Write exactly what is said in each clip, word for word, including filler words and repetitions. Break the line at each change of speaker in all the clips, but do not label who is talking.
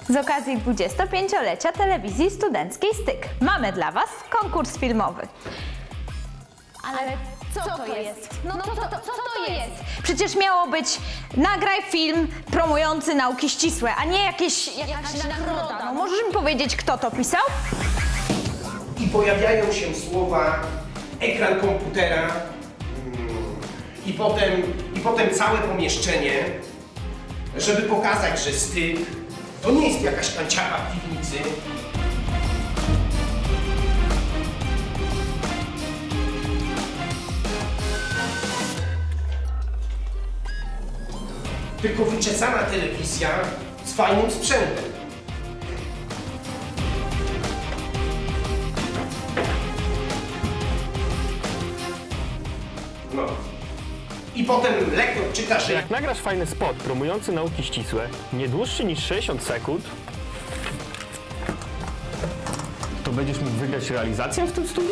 Z okazji dwudziestopięciolecia telewizji studenckiej Styk mamy dla Was konkurs filmowy.
Ale co, co to jest? jest? No, no to, to, co to jest?
Przecież miało być nagraj film promujący nauki ścisłe, a nie jakieś, jakaś,
Jakaś
nagroda.
nagroda.
No, możesz mi powiedzieć, kto to pisał?
I pojawiają się słowa ekran komputera mm, i, potem, i potem całe pomieszczenie, żeby pokazać, że Styk to nie jest jakaś kanciara w piwnicy, tylko wyczesana telewizja z fajnym sprzętem. No. I potem lektor czyta, że
Jak nagrasz fajny spot promujący nauki ścisłe, nie dłuższy niż sześćdziesiąt sekund, to będziesz mógł wygrać realizację w tym studiu?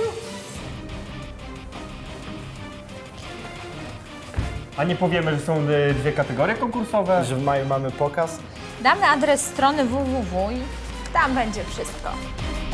A nie powiemy, że są y, dwie kategorie konkursowe?
Że w maju mamy pokaz.
Damy adres strony www i tam będzie wszystko.